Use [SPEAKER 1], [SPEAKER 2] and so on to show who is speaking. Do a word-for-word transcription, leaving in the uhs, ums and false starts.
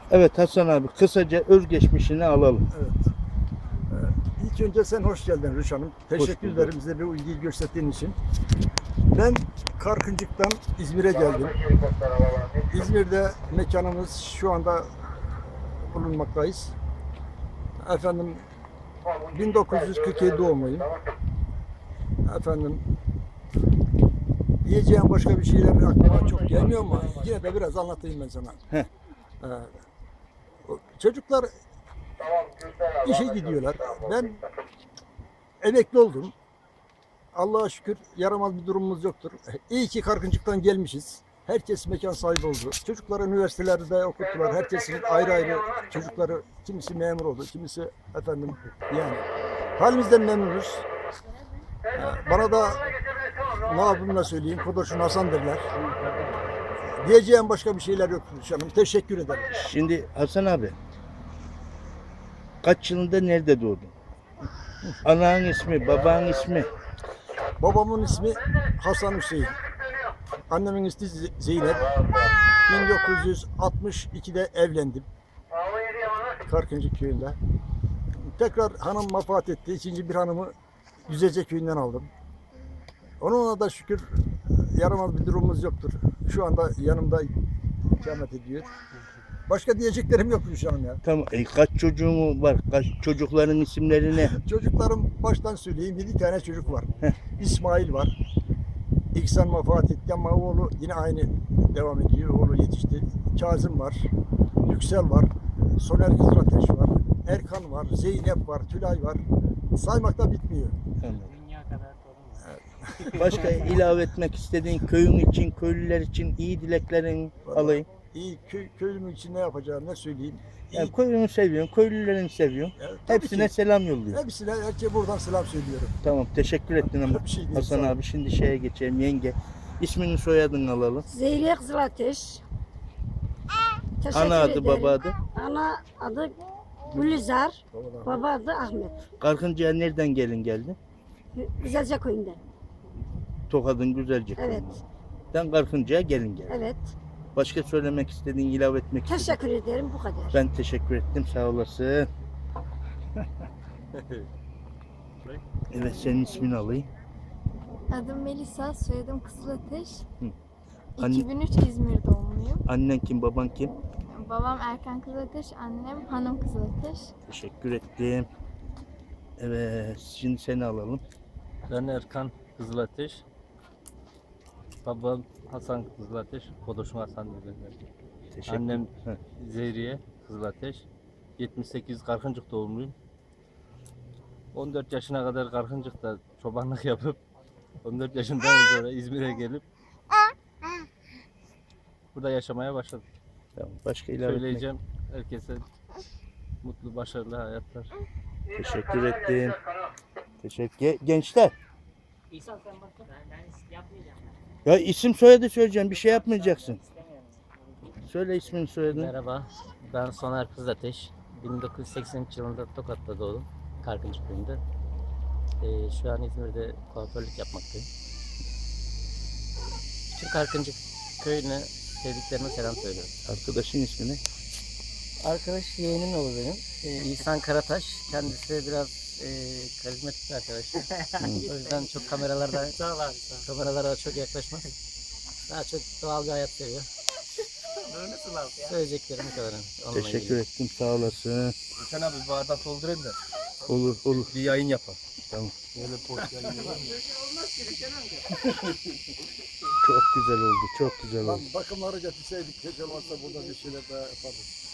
[SPEAKER 1] Evet Hasan abi, kısaca özgeçmişini alalım.
[SPEAKER 2] Evet. Ee, ilk önce sen hoş geldin Rüş Hanım. Teşekkür
[SPEAKER 1] bulduk.
[SPEAKER 2] ederim bize bu ilgiyi gösterdiğin için. Ben Karkıncık'tan İzmir'e geldim. İzmir'de mekanımız şu anda bulunmaktayız. Efendim bin dokuz yüz kırk yedi doğumluyum. Efendim diyeceğim başka bir şeyler aklıma çok gelmiyor ama yine de biraz anlatayım ben sana.
[SPEAKER 1] Heh.
[SPEAKER 2] Ee, o çocuklar işe gidiyorlar. Ben emekli oldum. Allah'a şükür yaramaz bir durumumuz yoktur. İyi ki Karkıncık'tan gelmişiz. Herkes mekan sahibi oldu. Çocukları üniversitelerde okuttular. Herkesin ayrı ayrı çocukları, kimisi memur oldu, kimisi efendim yani halimizden memnunuz. Ee, Bana da ne yapayım söyleyeyim, Kodoş'un Hasan derler. Diyeceğim başka bir şeyler yok canım. Teşekkür ederim.
[SPEAKER 1] Şimdi Hasan abi, kaç yılında nerede doğdun? Ananın ismi, babanın ismi.
[SPEAKER 2] Babamın ismi Hasan Hüseyin. Annemin ismi Zeynep. bin dokuz yüz altmış ikide evlendim. Karkıncık köyünde. Tekrar hanım vefat etti. İkinci bir hanımı Düzece köyünden aldım. Onunla da şükür yaramaz bir durumumuz yoktur. Şu anda yanımda ikamet ediyor. Başka diyeceklerim yok Gülşah Hanım ya.
[SPEAKER 1] Tamam. E, kaç çocuğun var? Kaç çocukların isimleri ne?
[SPEAKER 2] Çocuklarım baştan söyleyeyim. Yedi tane çocuk var.
[SPEAKER 1] Heh.
[SPEAKER 2] İsmail var. İhsan vefat etti ama oğlu yine aynı devam ediyor. Oğlu yetişti. Kazım var. Yüksel var. Soner Kızılateş var. Erkan var. Zeynep var. Tülay var. Saymakta bitmiyor.
[SPEAKER 1] Anladım. Başka ilave etmek istediğin köyün için, köylüler için iyi dileklerin alayım.
[SPEAKER 2] İyi köy, köylümün için ne yapacağım ne söyleyeyim. İyi,
[SPEAKER 1] Yani köyünü seviyorum, köylülerini seviyorum.
[SPEAKER 2] evet, tabii
[SPEAKER 1] Hepsine
[SPEAKER 2] ki.
[SPEAKER 1] selam yolluyorum.
[SPEAKER 2] Hepsine herkese buradan selam söylüyorum.
[SPEAKER 1] Tamam, teşekkür ettin ama
[SPEAKER 2] Bir şey değil,
[SPEAKER 1] Hasan
[SPEAKER 2] sağ ol.
[SPEAKER 1] abi. Şimdi şeye geçelim, yenge. İsmini soyadını alalım.
[SPEAKER 3] Zeyliye Kızılateş. Teşekkür
[SPEAKER 1] Ana adı,
[SPEAKER 3] ederim.
[SPEAKER 1] baba adı.
[SPEAKER 3] Ana adı Gülizar,
[SPEAKER 2] Babadan.
[SPEAKER 3] baba adı Ahmet.
[SPEAKER 1] Karkıncı'ya nereden gelin geldin?
[SPEAKER 3] Güzelce köyünden.
[SPEAKER 1] Tokad'ın Güzelce
[SPEAKER 3] Evet,
[SPEAKER 1] köyünden Karkıncı'ya gelin geldin.
[SPEAKER 3] evet.
[SPEAKER 1] Başka söylemek istediğin, ilave etmek istediğin?
[SPEAKER 3] Teşekkür ederim, bu kadar.
[SPEAKER 1] Ben teşekkür ettim, sağ olasın. Evet, senin ismini alayım.
[SPEAKER 4] Adım Melisa, soyadım Kızılateş.
[SPEAKER 1] Hı. Anne-
[SPEAKER 4] iki bin üç İzmir doğumluyum.
[SPEAKER 1] Annen kim, baban kim?
[SPEAKER 4] Babam Erkan Kızılateş, annem Hanım Kızılateş.
[SPEAKER 1] Teşekkür ettim. Evet, şimdi seni alalım.
[SPEAKER 5] Ben Erkan Kızılateş. Babam Hasan Kızılateş. Kodoşum Hasan derler.
[SPEAKER 1] Teşekkür.
[SPEAKER 5] Annem
[SPEAKER 1] Heh.
[SPEAKER 5] Zehriye Kızılateş. yetmiş sekiz Karkıncık doğumluyum. on dört yaşına kadar Karkıncık'ta çobanlık yapıp on dört yaşından sonra İzmir'e gelip burada yaşamaya başladım.
[SPEAKER 1] Tamam, başka ilave etmek.
[SPEAKER 5] Söyleyeceğim herkese mutlu, başarılı hayatlar.
[SPEAKER 1] Teşekkür ettim. Teşekkür. Ge- Gençler.
[SPEAKER 6] İhsan sen bak ben, ben yapmayacağım.
[SPEAKER 1] Ya isim soyadı söyleyeceğim. Bir şey yapmayacaksın. Söyle ismini soyadını.
[SPEAKER 6] Merhaba, ben Soner Kızılateş. bin dokuz yüz seksen üç yılında Tokat'ta doğdum. Karkıncık köyünde. Ee, şu an İzmir'de kuaförlük yapmaktayım. Bütün Karkıncık köyüne sevdiklerime selam söylüyorum.
[SPEAKER 1] Arkadaşın ismi ne?
[SPEAKER 6] Arkadaş yeğenim olur benim. Ee, İhsan Karataş. Kendisi biraz e, karizmatik bir arkadaş. O yüzden çok kameralarda kameralara çok yaklaşmaz. Daha çok doğal bir hayat seviyor. Söyleyeceklerim bu kadar. Onunla
[SPEAKER 1] Teşekkür
[SPEAKER 6] ilgili.
[SPEAKER 1] ettim. Sağ olasın.
[SPEAKER 5] Sen abi bir bardak doldurayım da
[SPEAKER 1] Olur olur.
[SPEAKER 5] bir yayın yapalım.
[SPEAKER 1] Tamam.
[SPEAKER 5] Böyle post yayın yapalım.
[SPEAKER 1] Çok güzel oldu. Çok güzel
[SPEAKER 2] Lan
[SPEAKER 1] oldu.
[SPEAKER 2] bakımları getirseydik keşke olmazsa burada bir şeyler daha yapardık.